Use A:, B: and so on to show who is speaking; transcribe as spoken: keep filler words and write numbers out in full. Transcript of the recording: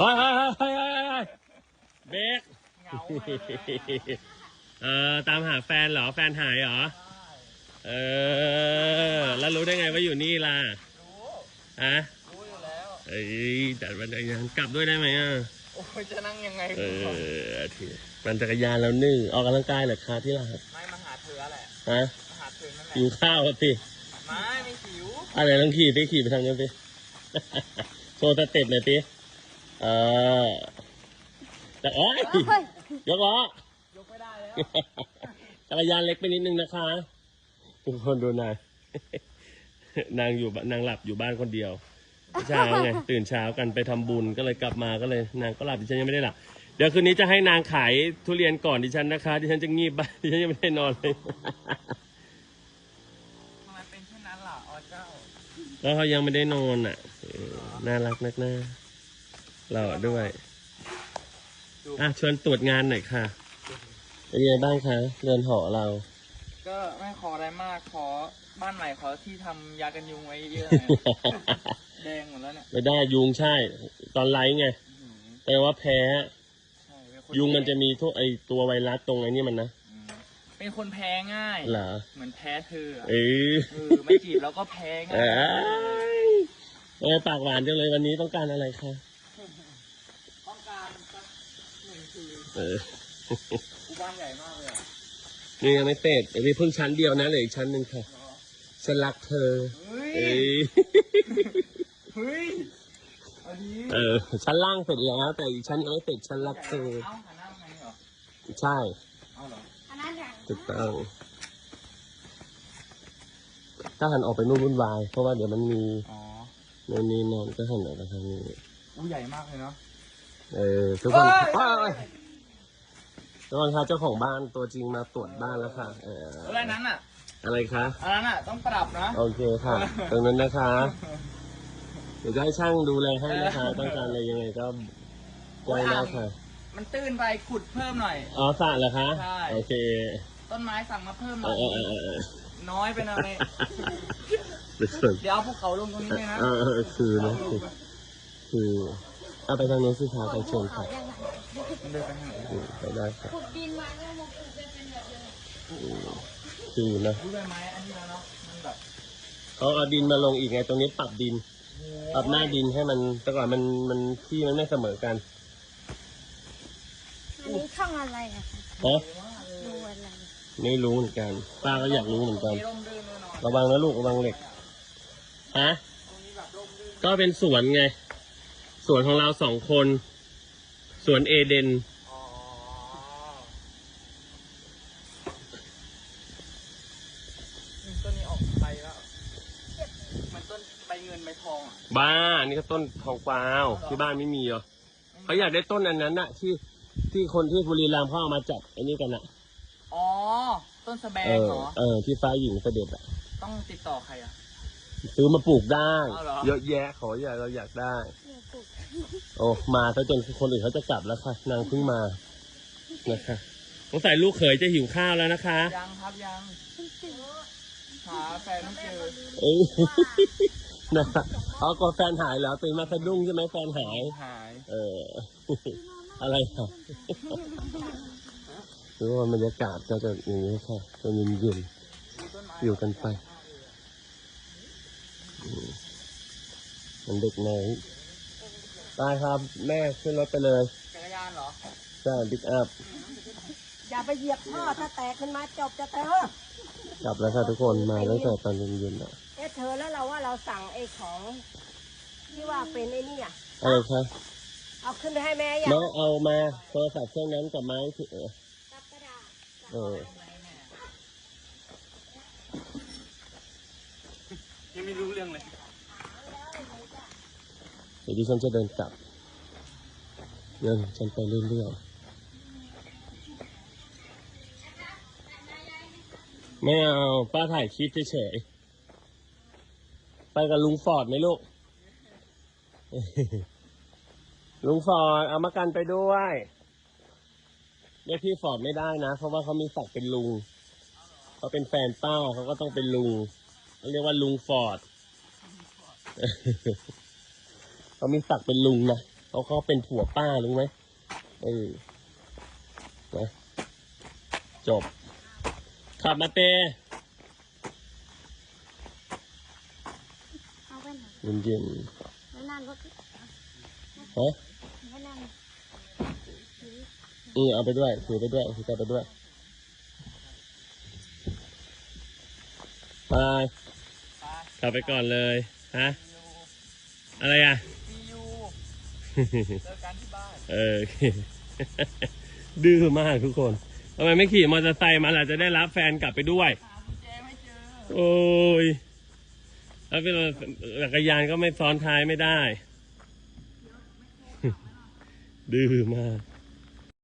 A: ฮ้ยเฮ้ยเฮ้ยเฮ้ยเฮ้ยเบรกเงาเออตามหาแฟนเหรอแฟนหายเหรอเออแล้วรู้ได้ไงว่าอยู่นี่ล่ะรู้อะรู้อยู่แล้วเอ้ยแต่วันจักรยานกลับด้วยได้ไหมอ่ะโอ้ยจะนั่งยังไงเออทีมันจักรยานแล้วนึ่งออกกำลังกายเหรอคะที่ล่ะไม่มาหาเธอแหละฮะมาหาเธอนั่นแหละหิวข้าวสิไม่ไม่หิวอะไรลองขี่ไปขี่ไปทางนั้นสิโชว์สเต็ปหน่อยสิเออแต่โอ้ยยกล้อยกไม่ได้แล้วจักรยานเล็กไปนิดนึงนะคะทุกคนดูนางนางอยู่นางหลับอยู่บ้านคนเดียวเช้าไงตื่นเช้ากันไปทำบุญก็เลยกลับมาก็เลยนางก็หลับดิฉันยังไม่ได้หลับเดี๋ยวคืนนี้จะให้นางขายทุเรียนก่อนดิฉันนะคะดิฉันจะงีบบ้านดิฉันยังไม่ได้นอนเลยทำไมเป็นเช่นนั้นล่ะอ๋อเจ้าแล้วเขายังไม่ได้นอนอ่ะน่ารักนักหน้าหล่อด้วยอ่ะชวนตรวจงานหน่อยค่ะเป็นยังไงบ้างคะเรือนหอเรา
B: ก็ไม่ขออะไรมากขอบ้านใหม่ขอที่ทำยากันยุงไว้เยอะแดงหมดแล้วเนี่ย
A: ไม่ได้ยุงใช่ตอนไลฟ์ไงแต่ว่าแพ้ยุงมันจะมีทุกไอตัวไวรัสตรงไอ้นี่มันนะ
B: เป็นคนแพ้ง่าย
A: เหรอ
B: เหมือนแพ้เธอ
A: เออ
B: ไม่จีบแล้วก็แพ้ง่าย
A: เออปากหวานจังเลยวันนี้ต้องการอะไรคะ
B: ต้องการสักหนึ่งคืน
A: เออ
B: บ้านใหญ่มากเลย
A: นี่ยังไม่เสร็จมีเพิ่งชั้นเดียวนะเหลืออีกชั้นหนึ่งค่ะฉันรักเธอเฮ้ย
B: เฮ้ยอันนี้
A: เออชั้นล่างเสร็จแล้วแต่อีกชั้นยังไม่เสร็จฉันรักเธอ
B: เอ้าหันหน้าไงเหรอ
A: ใช่
B: เอาเหรอ
A: ถูกต้องถ้าหันออกไปนู่นวุ่นวายเพราะว่าเดี๋ยวมันมีในนี้นอนก็หันออกไปทางนี้
B: อู้ใหญ่มากเลยเนาะ
A: เออทุกคนทุกคนค่ะเจ้าของบ้านตัวจริงมาตรวจบ้านแล้วค่ะเออ
B: อะไรนั้นอ่ะ
A: อะไรคะ
B: อันนั้นอ่ะต้องปรับนะ
A: โอเคค่ะตรงนั้นนะคะเดี๋ยวจะให้ช่างดูแลให้นะคะต้องการอะไรยังไงก็แจ้งได้ค่ะ
B: มันตื้นไปขุดเพิ่มหน่อย
A: อ๋อสระเหรอคะ
B: ใช่
A: โอเค
B: ต้นไม้สั่งมาเพิ่มหน่อยน้อยไปหน่อยเดี๋ยวเอาภูเขาลงตรงนี้เลยนะ
A: เออคือนะคือคือเอาไปทางโน้นสิคะไปเชิญค่ะ
B: มันเดินไปทางไหน
A: ไปได้ค่ะ
C: ขุดดินมาแล้วมาปลูกเป็นแบบเดิม
A: คือนะ
B: รู้ได้ไหมอันนี้แล้วเนาะมันแบบ
A: เขาเอาดินมาลงอีกไงตรงนี้ปรับดินปรับหน้าดินให้มันแต่ก่อนมันมันที่มันไม่เสมอกัน
C: อันนี้ช่องอะไรอะคะ
A: ฮะ
C: ดูอะไร
A: ไม่รู้เหมือนกันป้าก็อยากรู้เหมือนกันระวังนะลูกระวังเหล็กฮะก็เป็นสวนไงสวนของเราสองคนสวนเอเดน
B: ต้นนี้ออกใบแล้วมันต้นใบเงินใบทองอ่ะ
A: บ้านี่ก็ต้นทองกวาวที่บ้านไม่มีเหรอเขาอยากได้ต้นอันนั้นน่ะที่ที่คนที่บุรีรัมย์เขาเอามาจับไอ้นี่กันน่ะ
B: อ๋อต้นสแบงเหรอ
A: เออที่ฟ้าหญิงเสด็จอ่ะ
B: ต้องติดต่อใครอ่ะ
A: ซื้อมาปลูกได้เยอะแยะขออยากเราอยากได้โอ้มาซะจนคนอื่นเขาจะกลับแล้วค่ะนางเพิ่งมานะคะสงสัยลูกเขยจะหิวข้าวแล้วนะคะ
B: ยังครับยังหาแฟนไม่เจอ
A: เอ้นะเขาก็แฟนหายแล้วตื่นมาสะดุ้งใช่ไหมแฟนหาย
B: หาย
A: เอออะไรครับหรือว่าบรรยากาศก็จะอย่างนี้ค่ะจะเย็นๆอยู่กันไปมันเด็กน้อยได้ครับแม่ขึ้นรถไปเลย
B: จักรยานเหรอ
A: ใช่บิ๊กอัพ
C: อย่าไปเหยียบท่อถ้าแตกขึ้นมาจบจะเธ
A: อกลับแล้วค่ะทุกคนมาตั้งแต่ตอนเย็นๆแล้ว
C: เอ๊ะเธอแล้วเราว่าเราสั่งไอ้ของที่ว่าเป็นไอ้นี่อ่ะ
A: อะไรคะ
C: เอาขึ้นไปให้แม่ยัง
A: แม่เอามาโทรศัพท์เครื่องนั้นกับไม้ที่เออเออ
B: ยังไม่รู้เรื่องเลย
A: เดี๋ยวดิฉันจะเดินกลับเดินฉันไปเรื่อยๆไม่เอาป้าถ่ายคลิปเฉยๆไปกับลุงฟอร์ดไหมลูกลุงฟอร์ดเอามากันไปด้วยเรียกพี่ฟอร์ดไม่ได้นะเพราะว่าเขามีศักดิ์เป็นลุงเขาเป็นแฟนป้าเขาก็ต้องเป็นลุงเขาเรียกว่าลุงฟอร์ดเขามีศักดิ์เป็นลุงนะเขาเขาเป็นผัวป้ารู้ไหมเออนะจบขับมาเต
D: เอาไปไหน
A: เย็นเย็น
D: แล้วนั่นรถ
A: ๆฮะ
D: แล้วนั่น
A: เออเอาไปด้วยถือไปด้วยถือไปด้วยไป
B: ไป
A: ขับไปก่อนเลยฮะอะไรอ่ะ
B: ซียูเจอกันที่บ้าน
A: เออ ดื้อมากทุกคนทำไมไม่ขี่มอเตอร์ไซค์มาล่ะจะได้รับแฟนกลับไปด้วย
B: หากุญแจไม่เจอ
A: โอ้ยแล้วเป็นจักรยานก็ไม่ซ้อนท้ายไม่ได้ ดื้อมาก